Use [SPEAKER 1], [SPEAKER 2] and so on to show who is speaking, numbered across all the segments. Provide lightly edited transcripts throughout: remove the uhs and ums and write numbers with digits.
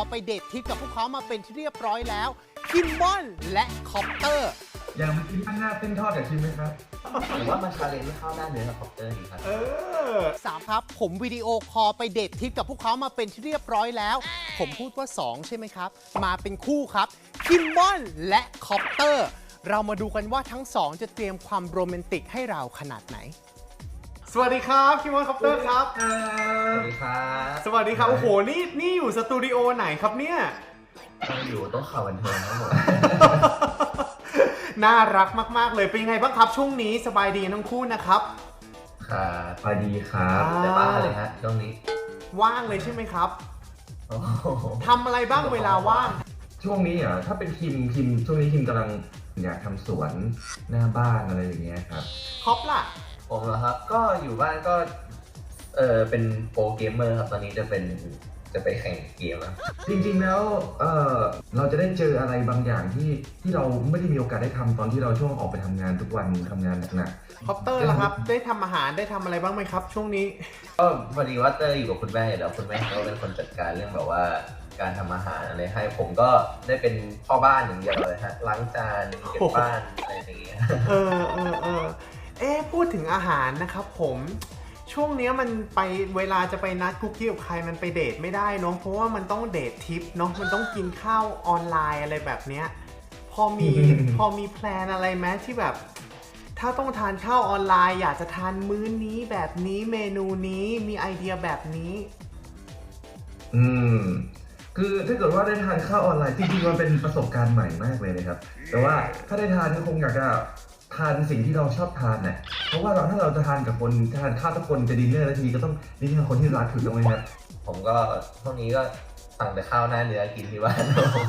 [SPEAKER 1] ไปเดททริปกับพวกเขามาเป็นที่เรียบร้อยแล้วคิมมอนและคอปเตอร์
[SPEAKER 2] อยากมากินข้างหน้าเส้นทอดกับชิมไหมครับ
[SPEAKER 3] หรือว่ามันชาเลนจ์ไม่เข้าหน้าเนื้อกับคอปเตอร์ดีครับ
[SPEAKER 1] 3ครับผมวิดีโอคอลไปเดททริปกับพวกเขามาเป็นที่เรียบร้อยแล้วผมพูดว่า2ใช่ไหมครับมาเป็นคู่ครับคิมมอนและคอปเตอร์เรามาดูกันว่าทั้ง2จะเตรียมความโรแมนติกให้เราขนาดไหนสวัสดีครับคิมมอนคอปเตอร์ครับ
[SPEAKER 3] สวัสดีครับ
[SPEAKER 1] สวัสดีครับโอ้โหนี่อยู่สตูดิโอไหนครับเนี่ย
[SPEAKER 3] เราอยู่ต้องข่าวบันเทิงครับผม
[SPEAKER 1] น่ารักมากๆเลยเป็นยังไงบ้างครับช่วงนี้สบายดีทั้งคู่นะครับ
[SPEAKER 3] ค่ะ
[SPEAKER 2] สวัสดีครับ
[SPEAKER 3] แต่บ้าเลยฮะช่วงนี้
[SPEAKER 1] ว่างเลยใช่ไหมครับ
[SPEAKER 3] โอ้โห
[SPEAKER 1] ทำอะไรบ้างเวลาว่าง
[SPEAKER 2] ช่วงนี้ถ้าเป็นคิมช่วงนี้คิมกำลังอยากทำสวนหน้าบ้านอะไรอย่างเงี้ยครับ
[SPEAKER 1] คอปล่ะ
[SPEAKER 3] ผมเหรอครับ ก็อยู่บ้านก็เป็นโปรเกมเมอร์ครับตอนนี้จะไปแข่งเกมแล้ว
[SPEAKER 2] จริงๆแล้วเราจะได้เจออะไรบางอย่างที่เราไม่ได้มีโอกาสได้ทำตอนที่เราช่วงออกไปทำงานทุกวันทำงานหนัก
[SPEAKER 1] คอปเตอร์ล่ะครับ ได้ทำอาหารได้ทำอะไรบ้างไหมครับ ช่วงนี้
[SPEAKER 3] ก็พอดีว่าเตอร์อยู่กับคุณแม่แล้วคุณแม่เขาเป็นคนจัดการเรื่องแบบว่าการทำอาหารอะไรให้ผมก็ได้เป็นพ่อบ้านอย่างเดียวเลยฮะล้างจานเก็บบ้านอะไรอย่างเงี้ย
[SPEAKER 1] พูดถึงอาหารนะครับผมช่วงนี้มันไปเวลาจะไปนัดคุกกี้กับใครมันไปเดทไม่ได้เนาะเพราะว่ามันต้องเดททริปเนาะมันต้องกินข้าวออนไลน์อะไรแบบเนี้ยพอมีแพลนอะไรไหมที่แบบ ถ้าต้องทานข้าวออนไลน์อยากจะทานมื้อนี้แบบนี้เมนูนี้มีไอเดียแบบนี้
[SPEAKER 2] คือถ้าเกิดว่าได้ทานข้าวออนไลน์จริงๆมันเป็นประสบการณ์ใหม่มากเลยนะครับแต่ว่าถ้าได้ทานก็คงอยากจะทานสิ่งที่เราชอบทานน่ะเพราะว่าถ้าเราจะทานกับคนทานข้าวทุกคนจะดินเนอร์แล้วทีก็ต้องดินเนอร์คนที่รักถูกต้องไหมครับ
[SPEAKER 3] ผมก็ช่วงนี้ก็สั่งแต่ข้าวหน้าเนื้อกินที่บ้าน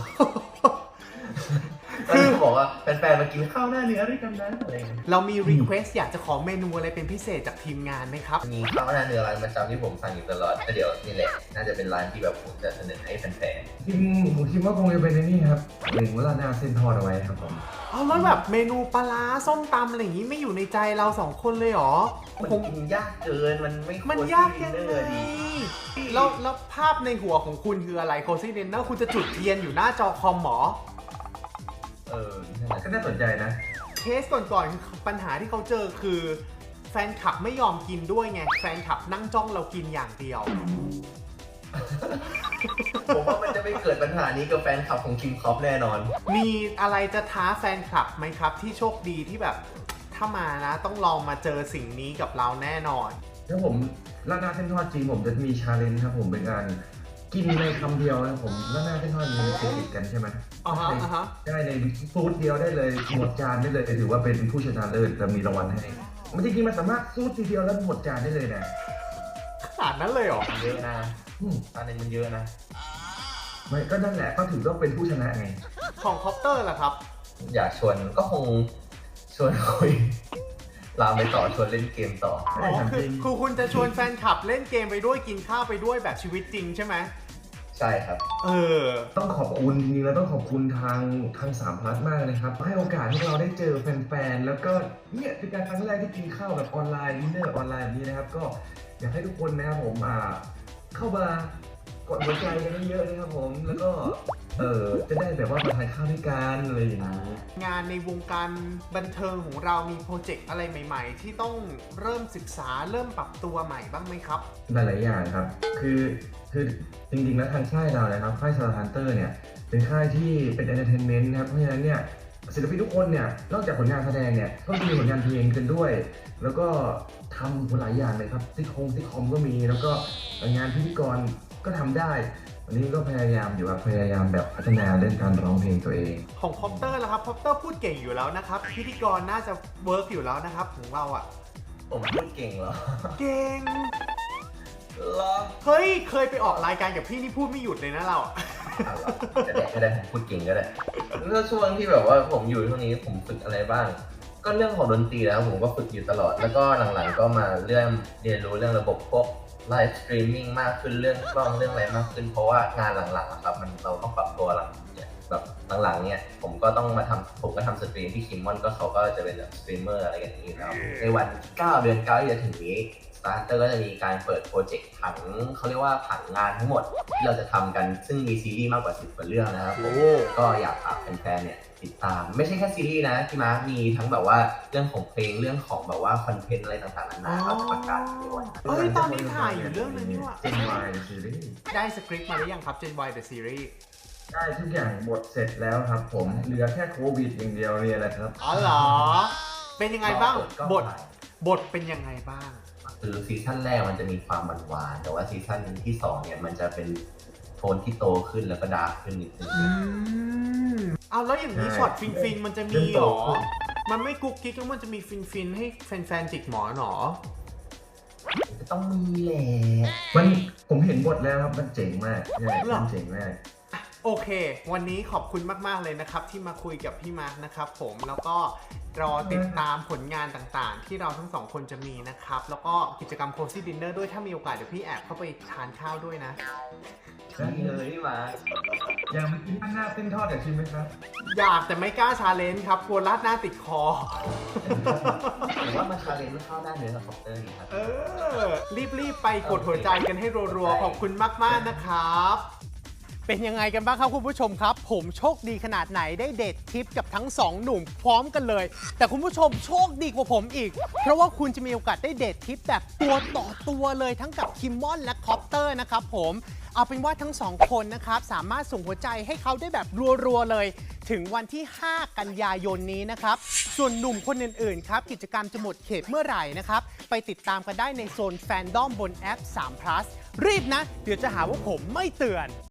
[SPEAKER 3] คือบอกว่าแฟนๆมากินข้าวหน้าเนื้อด้วยกันนะอะไรอย่างเงี้ย
[SPEAKER 1] เรามีรีเควสอยากจะขอเมนูอะไรเป็นพิเศษจากทีมงานไหมครับ
[SPEAKER 3] มีข้าวหน้าเนื้อร้านประจำที่ผมสั่งอยู่ตลอดก็เดี๋ยวนี่แหละน่าจะเป็นร้านที่แบบผมจะเสนอให้แฟน
[SPEAKER 2] ผมคิดว่าคงจะเป็นในนี่ครับเล็งว่าราดหน้าเส้นทอดเอาไว้ครับผม
[SPEAKER 1] เอาแล้วแบบเมนูปลาร้าส้มตำอะไรอย่างนี้ไม่อยู่ในใจเราสองคนเลยเหรอ
[SPEAKER 3] ๆมัน
[SPEAKER 1] ผม
[SPEAKER 3] กินยากเกินมันไม่
[SPEAKER 1] มันยากยังไงแล้วภาพในหัวของคุณคืออะไรโคซี่เดนเนอร์คุณจะจุดเทียนอยู่หน้าจอคอมหมอ
[SPEAKER 3] นั่นแหละ
[SPEAKER 2] ก็น่าสนใจนะ
[SPEAKER 1] เคสก่อนๆคือปัญหาที่เขาเจอคือแฟนคลับไม่ยอมกินด้วยไงแฟนคลับนั่งจ้องเรากินอย่างเดียว
[SPEAKER 3] ผมว่ามันจะไม่เกิดปัญหานี้กับแฟนคลับของคิมคอปแน่นอน
[SPEAKER 1] มีอะไรจะท้าแฟนคลับไหมครับที่โชคดีที่แบบถ้ามานะต้องลองมาเจอสิ่งนี้กับเราแน่นอน
[SPEAKER 2] ถ้าผมราดหน้าเส้นทอดจริงผมจะมีชาเลนจ์ครับผมเป็นการกินในคำเดียวนะผมราดหน้าเส้นทอดมันติดกันใช่ไหม
[SPEAKER 1] อ่าฮะ
[SPEAKER 2] ได้ในฟูดเดียวได้เลยหมดจานได้เลยถือว่าเป็นผู้ชนะเลิศจะมีรางวัลให้มันจริงๆมันสามารถซูดทีเดียวแล้วหมดจานได้เลยนะ
[SPEAKER 1] ขนาดนั้นเลยเหรอ
[SPEAKER 3] เยอะนะอันนี้มันเยอะนะ
[SPEAKER 2] ไม่ก็นั่นแหละก็ถือว่าเป็นผู้ชนะไง
[SPEAKER 1] ของคอปเตอร์ล่ะครับ
[SPEAKER 3] อยากชวนก็คงชวนคุยลามไปต่อชวนเล่นเกมต่อ
[SPEAKER 1] อ๋อคือคุณจะชวนแฟนคลับเล่นเกมไปด้วยกินข้าวไปด้วยแบบชีวิตจริงใช่ไหม
[SPEAKER 3] ใช่ครับ
[SPEAKER 2] ต้องขอบคุณจริงๆแล้วต้องขอบคุณทาง3 พลัสมากเลยครับให้โอกาสให้เราได้เจอแฟนๆแล้วก็เนี่ยเป็นการครั้งแรกที่กินข้าวแบบออนไลน์ดินเนอร์ออนไลน์แบบนี้นะครับก็อยากให้ทุกคนนะครับผมเข้ามากดหัวใจกันเยอะๆนะครับผมแล้วก็จะได้แบบว่ามาทานข้าวด้วยกันอะไรอย่างนี้
[SPEAKER 1] งานในวงการบันเทิงของเรามีโปรเจกต์อะไรใหม่ๆ ที่ต้องเริ่มศึกษาเริ่มปรับตัวใหม่บ้างไหมครับ
[SPEAKER 2] หลายๆอย่างครับคือจริงๆแล้วทางค่ายเรานะครับค่าย Star Hunter เนี่ยเป็นค่ายที่เป็นเอนเตอร์เทนเมนต์นะครับเพราะฉะนั้นเนี่ยศิลปินทุกคนเนี่ยนอกจากผลงานแสดงเนี่ยก็มีผลงานเพลงกันด้วย แล้วก็ทำหลายอย่างเลยครับซิทคอมก็มีแล้วก็งานพิธีกรก็ทำได้วันนี้ก็พยายามอยู่ครับพยายามแบบพัฒนาเรื่องการร้องเพลงตัวเอง
[SPEAKER 1] ของคอปเตอร์ล่ะครับคอปเตอร์พูดเก่งอยู่แล้วนะครับพิธีกรน่าจะเวิร์กอยู่แล้วนะครับของเราอ่ะ
[SPEAKER 3] ผมพูดเก่งเหรอ
[SPEAKER 1] เก่ง
[SPEAKER 3] เหรอ
[SPEAKER 1] เฮ้ยเคยไปออกรายการกับพี่นี่พูดไม่หยุดเลยนะเราอะ
[SPEAKER 3] ก็ได้ผมพูดเก่งก็ได้แล้วช่วงที่แบบว่าผมอยู่ช่วงนี้ผมฝึกอะไรบ้าง ก็เรื่องของดนตรีแล้วผมก็ฝึกอยู่ตลอด แล้วก็หลังๆก็มาเรียนรู้เรื่องระบบพวกไลฟ์สตรีมมิ่งมากขึ้นเรื่องกล้องเรื่องอะไรมากขึ้นเพราะว่างานหลังๆอะครับเราต้องปรับตัวหลังเนี่ยแบบหลังๆเนี่ยผมก็ทำสตรีมที่คิมมอนก็เขาก็จะเป็นแบบสตรีมเมอร์อะไรอย่างนี้แล้วในวัน9 เดือน 9ที่จะถึงนี้ Star Star Hunter ก็จะมีการเปิดโปรเจกต์ผังเขาเรียกว่าผังงานทั้งหมดที่เราจะทำกันซึ่งมีซีรีส์มากกว่า10 กว่าเรื่องนะครับผมก็อยากฝากแฟนๆเนี่ยติดตามไม่ใช่แค่ซีรีส์นะพี่มาร์คมีทั้งแบบว่าเรื่องของเพลงเรื่องของแบบว่าคอนเทนต์อะไรต่างๆนานาเราจะประกาศด้วย
[SPEAKER 1] เอ้ยตอนนี้ถ่ายอยู่เรื่องนึงนี่หว่า
[SPEAKER 2] Gen Y The Series
[SPEAKER 1] ได้สคริปต์มาหรือยังครับ Gen Y The Series
[SPEAKER 2] ได้ทุกอย่างหมดเสร็จแล้วครับผมเหลือแค่โควิดอย่างเดียวเนี่ยแหละครับ
[SPEAKER 1] อ๋อเหรอ เป็นยังไงบ้าง
[SPEAKER 3] ก็
[SPEAKER 1] บทเป็นยังไงบ้าง
[SPEAKER 3] คือซีซั่นแรกมันจะมีความหวานๆแต่ว่าซีซั่นที่2เนี่ยมันจะเป็นโทนที่โตขึ้นแล้วก็ดาร์กขึ้นนิดนึง
[SPEAKER 1] เอาแล้วอย่างนี้
[SPEAKER 2] ใช่
[SPEAKER 1] ช็อตฟินๆมันจะมี
[SPEAKER 2] เริ่ม
[SPEAKER 1] หร
[SPEAKER 2] โต
[SPEAKER 1] อ
[SPEAKER 2] ขึ้น
[SPEAKER 1] มันไม่กุ๊กกิ๊กแล้วมันจะมีฟินๆให้แฟนๆจิกหมอนหรอ
[SPEAKER 3] ก็ต้องมีแหละ
[SPEAKER 2] มันผมเห็นบทแล้วครับมันเจ๋งมากใช่
[SPEAKER 1] หรอ
[SPEAKER 2] มันเจ๋งมาก
[SPEAKER 1] โอเค วันนี้ขอบคุณมากๆเลยนะครับที่มาคุยกับพี่มาร์คนะครับผมแล้วก็รอติดตามผลงานต่างๆ ที่เราทั้งสองคนจะมีนะครับแล้วก็กิจกรรม Cozy Dinner ด้วยถ้ามีโอกาสเดี๋ยวพี่แอบเข้าไปทานข้าวด้วยนะ
[SPEAKER 3] ใช่เลยพี่มาร์ค
[SPEAKER 2] อยากมากินข้างหน้าเส้นทอดอยากชิมไหมครับ
[SPEAKER 1] อยากแต่ไม่กล้าชาเลนจ์ครับกลัวราดหน้าติดคอ
[SPEAKER 3] ผมว่ามาชาเลนจ์ข้าวหน้าเนื้อกับคอปเตอร์ดีครับ
[SPEAKER 1] รีบๆไปกดหัวใจกันให้รัวๆ ขอบคุณมากๆนะครับ เป็นยังไงกันบ้างครับคุณผู้ชมครับ ผมโชคดีขนาดไหนได้เดททริปกับทั้งสองหนุ่มพร้อมกันเลย แต่คุณผู้ชมโชคดีกว่าผมอีก เพราะว่าคุณจะมีโอกาสได้เดททริปแบบตัวต่อตัวเลยทั้งกับคิมมอนและคอปเตอร์นะครับผมเอาเป็นว่าทั้งสองคนนะครับสามารถส่งหัวใจให้เขาได้แบบรัวๆเลย ถึงวันที่ 5 กันยายนนี้นะครับส่วนหนุ่มคนอื่นๆครับกิจกรรมจะหมดเขตเมื่อไหร่นะครับไปติดตามกันได้ในโซนแฟนดอมบนแอป3 plus รีบนะ เดี๋ยวจะหาว่าผมไม่เตือน